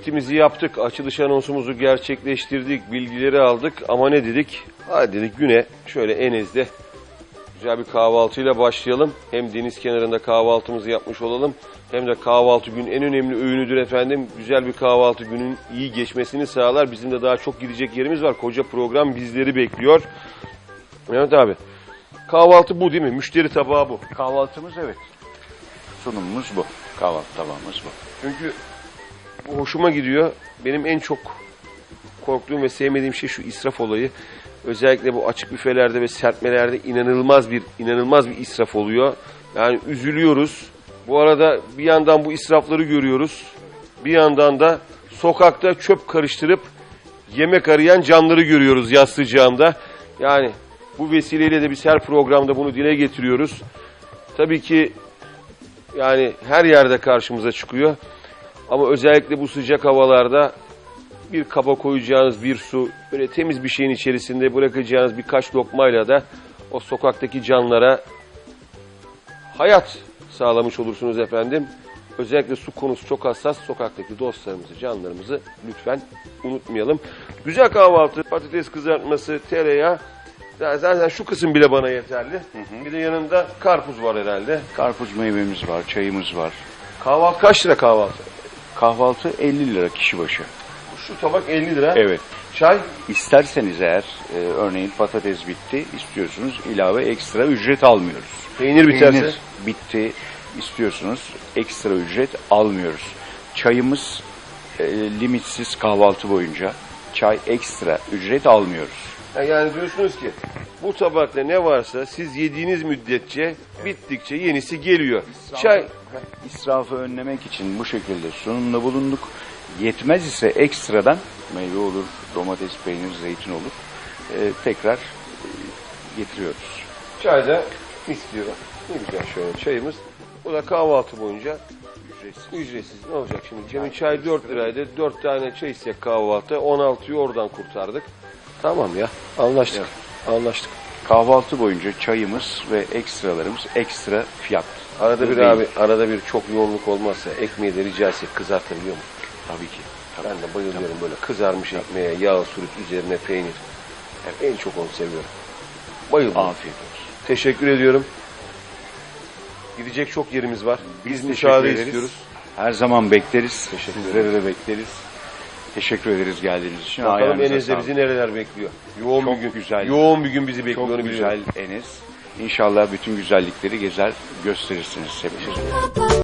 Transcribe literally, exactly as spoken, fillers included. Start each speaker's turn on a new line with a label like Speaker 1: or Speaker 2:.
Speaker 1: anketimizi yaptık, açılış anonsumuzu gerçekleştirdik, bilgileri aldık ama ne dedik? Hadi dedik güne şöyle Enez'de güzel bir kahvaltıyla başlayalım. Hem deniz kenarında kahvaltımızı yapmış olalım hem de kahvaltı günün en önemli öğünüdür efendim. Güzel bir kahvaltı günün iyi geçmesini sağlar. Bizim de daha çok gidecek yerimiz var. Koca program bizleri bekliyor. Mehmet abi, kahvaltı bu değil mi? Müşteri tabağı bu.
Speaker 2: Kahvaltımız evet. Sunumumuz bu. Kahvaltı tabağımız bu.
Speaker 1: Çünkü bu hoşuma gidiyor. Benim en çok korktuğum ve sevmediğim şey şu israf olayı. Özellikle bu açık büfelerde ve serpmelerde inanılmaz bir inanılmaz bir israf oluyor. Yani üzülüyoruz. Bu arada bir yandan bu israfları görüyoruz. Bir yandan da sokakta çöp karıştırıp yemek arayan canları görüyoruz yaz sıcağında. Yani bu vesileyle de biz her programda bunu dile getiriyoruz. Tabii ki yani her yerde karşımıza çıkıyor. Ama özellikle bu sıcak havalarda bir kaba koyacağınız bir su, böyle temiz bir şeyin içerisinde bırakacağınız birkaç lokmayla da o sokaktaki canlara hayat sağlamış olursunuz efendim. Özellikle su konusu çok hassas. Sokaktaki dostlarımızı, canlarımızı lütfen unutmayalım. Güzel kahvaltı, patates kızartması, tereyağı. Zaten şu kısım bile bana yeterli. Hı hı. Bir de yanında karpuz var herhalde.
Speaker 2: Karpuz meyvemiz var, çayımız var.
Speaker 1: Kahvaltı kaç lira kahvaltı?
Speaker 2: Kahvaltı elli lira kişi başı.
Speaker 1: Şu tabak elli lira.
Speaker 2: Evet.
Speaker 1: Çay?
Speaker 2: İsterseniz eğer, e, örneğin patates bitti, istiyorsunuz ilave ekstra ücret almıyoruz.
Speaker 1: Peynir biterse?
Speaker 2: Peynir bitti, istiyorsunuz ekstra ücret almıyoruz. Çayımız e, limitsiz kahvaltı boyunca. Çay ekstra ücret almıyoruz.
Speaker 1: Yani diyorsunuz ki bu tabakta ne varsa siz yediğiniz müddetçe bittikçe yenisi geliyor.
Speaker 2: İsrafı,
Speaker 1: Çay
Speaker 2: israfı önlemek için bu şekilde sunumda bulunduk. Yetmez ise ekstradan meyve olur, domates, peynir, zeytin olur. E, tekrar e, getiriyoruz.
Speaker 1: çay da mis diyor. Ne güzel şöyle çayımız. Bu da kahvaltı boyunca
Speaker 2: Ücretsiz.
Speaker 1: ücretsiz. Ne olacak şimdi? Cem'in çay dört liraydı. dört tane çay içsek kahvaltı. on altıyı oradan kurtardık. Tamam ya. Anlaştık.
Speaker 2: Evet.
Speaker 1: Anlaştık.
Speaker 2: Kahvaltı boyunca çayımız ve ekstralarımız ekstra fiyat.
Speaker 1: Arada bir
Speaker 2: Değil.
Speaker 1: abi, arada bir çok yoğunluk olmazsa ekmeği de rica etsek kızartabiliyor mu?
Speaker 2: Tabii ki. Tabii.
Speaker 1: Ben de bayılıyorum böyle kızarmış ekmeğe, yağ, sürüp üzerine peynir. Evet, en çok onu seviyorum. Bayılıyorum.
Speaker 2: Afiyet olsun.
Speaker 1: Teşekkür ediyorum. Gidecek çok yerimiz var. Biz,
Speaker 2: Biz
Speaker 1: müsaade
Speaker 2: teşekkür ederiz.
Speaker 1: istiyoruz.
Speaker 2: Her zaman bekleriz.
Speaker 1: Teşekkür
Speaker 2: Sizleri de bekleriz. Teşekkür ederiz geldiğiniz için.
Speaker 1: Bakalım
Speaker 2: Ayağınıza
Speaker 1: Enes'de
Speaker 2: sağlık.
Speaker 1: bizi nereler bekliyor? Yoğun
Speaker 2: Çok
Speaker 1: bir gün.
Speaker 2: güzel.
Speaker 1: Yoğun bir gün bizi bekliyor.
Speaker 2: Çok
Speaker 1: onu
Speaker 2: güzel
Speaker 1: biliyorum.
Speaker 2: Enes. İnşallah bütün güzellikleri gezer gösterirsiniz hepinize.